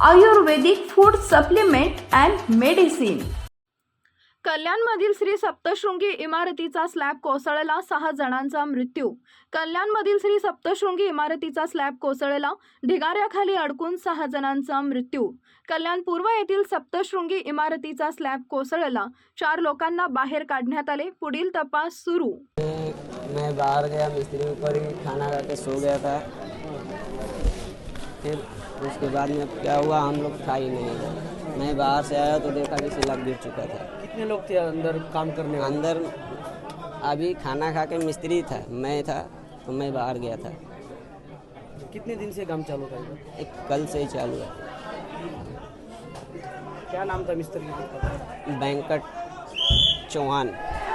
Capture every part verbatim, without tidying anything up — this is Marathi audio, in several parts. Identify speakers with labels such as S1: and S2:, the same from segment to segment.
S1: Ayurvedic food supplement and medicine.
S2: कल्याणमधील श्री सप्तशृंगी इमारतीचा स्लॅब कोसळला, सहा जणांचा मृत्यू। कल्याणमधील श्री सप्तशृंगी इमारतीचा स्लॅब कोसळला, ढिगाऱ्याखाली अडकून सहा जणांचा मृत्यू। कल्याण पूर्व येथील सप्तशृंगी इमारतीचा स्लॅब कोसळला, चार लोकांना बाहेर काढण्यात आले, पुढील तपास सुरू।
S3: मैं बाहर गया, मिस्त्री के ऊपर ही खाना खा के सो गया था। फिर उसके बाद में क्या हुआ हम लोग खा ही नहीं। मैं बाहर से आया तो देखा कि स्लैब गिर चुका था।
S4: कितने लोग थे अंदर काम करने वाले?
S3: अंदर अभी खाना खा के मिस्त्री था, मैं था, तो मैं बाहर गया था।
S4: कितने दिन से काम चालू था?
S3: एक कल से ही चालू है।
S4: क्या नाम था मिस्त्री का?
S3: वेंकट चौहान।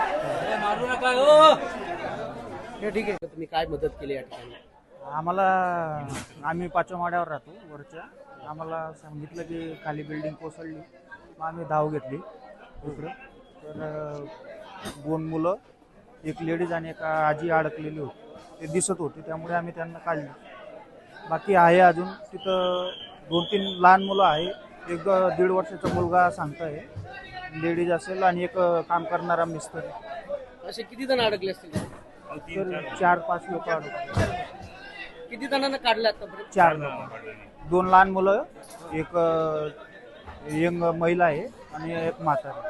S4: हे ठीक आहे, तुम्ही काय मदत केली या ठिकाणी?
S5: आम्हाला आम्ही पाचव्या माळ्यावर राहतो वरच्या। आम्हाला सांगितलं की खाली बिल्डिंग कोसळली, मग आम्ही धाव घेतली इकडं। तर अ, दोन मुलं, एक लेडीज आणि एक आजी अडकलेली होती, ते दिसत होते, त्यामुळे आम्ही त्यांना काढले। बाकी आहे अजून तिथं दोन तीन लहान मुलं आहे, एक दीड वर्षाचा मुलगा सांगताय लेडीज असेल आणि एक काम करणारा मिस्त्री।
S4: असे किती जण अडकले असतील?
S5: तर चार पाच लोक अडकले।
S4: किती जणांना काढले आतापर्यंत?
S5: चार लोक, दोन लहान मुलं, एक यंग महिला आहे आणि एक म्हातारा।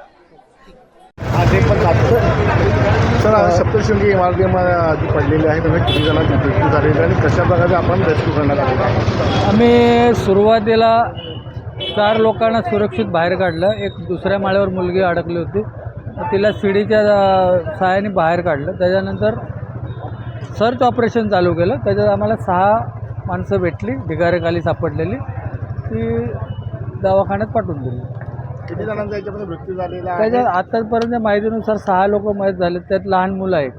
S6: सर, आज सप्तशृंगी इमारतीमध्ये पडलेली आहे, त्यामुळे किती जणांची मृत्यू झालेली आहे आणि कशा प्रकारे आपण रेस्क्यू करण्यात आलेला आहे?
S7: आम्ही सुरुवातीला चार लोकांना सुरक्षित बाहेर काढलं। एक दुसऱ्या माळ्यावर मुलगी अडकली होती, तिला शिडीच्या सहाय्याने बाहेर काढलं। त्याच्यानंतर सर्च ऑपरेशन चालू केलं, त्याच्यात आम्हाला सहा माणसं भेटली ढिगाऱ्याखाली सापडलेली, ती दवाखान्यात पाठवून दिली।
S6: किती जणांचा याच्यामध्ये मृत्यू झालेला आहे?
S7: त्याच्यात आतापर्यंत माहितीनुसार सहा लोक मयत झाले, त्यात लहान मुलं आहेत।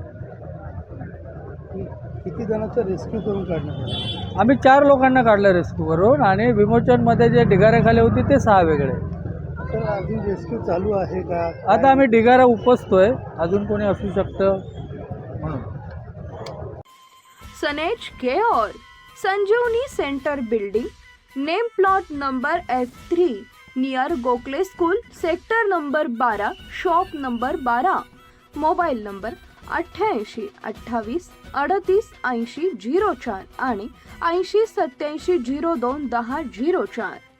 S6: किती जणांचं रेस्क्यू करून काढण्यात आलं?
S7: आम्ही चार लोकांना काढलं रेस्क्यू करून, आणि विमोचनमध्ये जे ढिगाऱ्याखाली होती ते सहा वेगळे।
S6: तर अजून रेस्क्यू चालू आहे का?
S7: आता आम्ही ढिगारा उपसतोय, अजून कोणी असू शकतं म्हणून।
S2: सनेज care Sanjeevani centre building, name plot number F three, near Gokhale school, sector number बारा, शॉप नंबर बारा। मोबाईल नंबर अठ्ठ्याऐंशी अठ्ठावीस अडतीस ऐंशी झिरो चार आणि ऐंशी सत्याऐंशी झिरो दोन दहा झिरो चार।